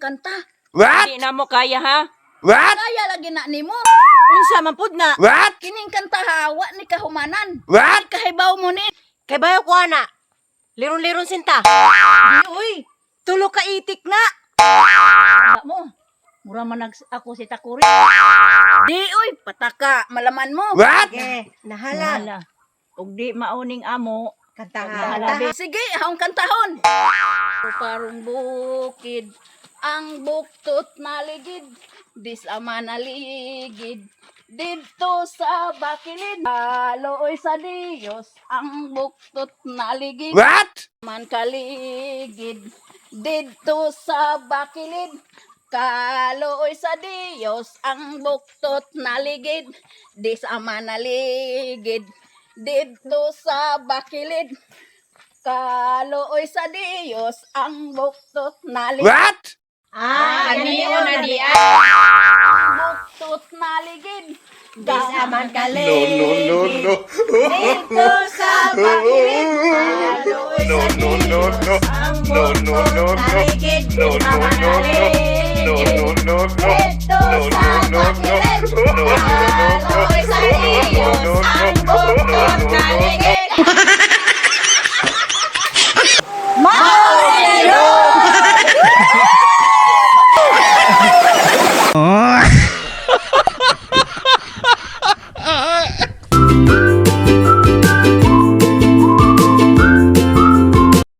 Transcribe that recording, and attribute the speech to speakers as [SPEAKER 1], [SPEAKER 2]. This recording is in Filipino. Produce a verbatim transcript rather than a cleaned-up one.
[SPEAKER 1] kanta.
[SPEAKER 2] What?
[SPEAKER 3] Di na mo kaya ha?
[SPEAKER 2] What?
[SPEAKER 1] Kaya lagi na nimo.
[SPEAKER 3] Unsa man pud na?
[SPEAKER 2] What?
[SPEAKER 1] Kining kanta hawa ni kahumanan.
[SPEAKER 2] What?
[SPEAKER 1] Kahibaw mo ni.
[SPEAKER 3] Kay bayo ko ana. Liron-liron sinta.
[SPEAKER 1] Di uy.
[SPEAKER 3] Tulo ka itik na.
[SPEAKER 1] Wala mo. Mura man nag ako si Takuri. Di uy, pataka, malaman mo.
[SPEAKER 2] What?
[SPEAKER 3] Sige, nahala.
[SPEAKER 1] Hala. Ug di mauning amo.
[SPEAKER 3] Kantahan.
[SPEAKER 1] Hala. Sige, haong kantahon. Parong bukid, ang buktot naligid, di sama naligid. Dito sa bakilid, aloy sa Diyos, ang buktot naligid.
[SPEAKER 2] What?
[SPEAKER 1] Man kaligid, dito sa bakilid, kaloy sa Diyos, ang buktot naligid, di sama naligid. Dito sa bakilid, kaloy sa Diyos, ang buktot naligid.
[SPEAKER 2] What?
[SPEAKER 3] Ah, ganiyo na di ay.
[SPEAKER 1] Ang buktot naligid,
[SPEAKER 3] Di sa man
[SPEAKER 2] No,
[SPEAKER 3] kaligid.
[SPEAKER 2] no, no, no.
[SPEAKER 3] Dito sa bakilid. Kaloy
[SPEAKER 2] No,
[SPEAKER 3] sa
[SPEAKER 2] no, no,
[SPEAKER 3] Diyos,
[SPEAKER 2] no.
[SPEAKER 3] ang
[SPEAKER 2] No, no, no, no.
[SPEAKER 3] naligid. Di
[SPEAKER 2] No,
[SPEAKER 3] sa
[SPEAKER 2] no,
[SPEAKER 3] man
[SPEAKER 2] no, no.
[SPEAKER 3] kaligid.
[SPEAKER 2] No, no, no, no.
[SPEAKER 3] Dito
[SPEAKER 2] No,
[SPEAKER 3] sa
[SPEAKER 2] no, no, no.
[SPEAKER 3] bakilid.
[SPEAKER 2] No, no, no, no.
[SPEAKER 3] Kaloy sa Diyos,
[SPEAKER 2] No, no, no,
[SPEAKER 3] ang
[SPEAKER 2] no.
[SPEAKER 3] buktot
[SPEAKER 2] No, no, no, no.
[SPEAKER 3] naligid.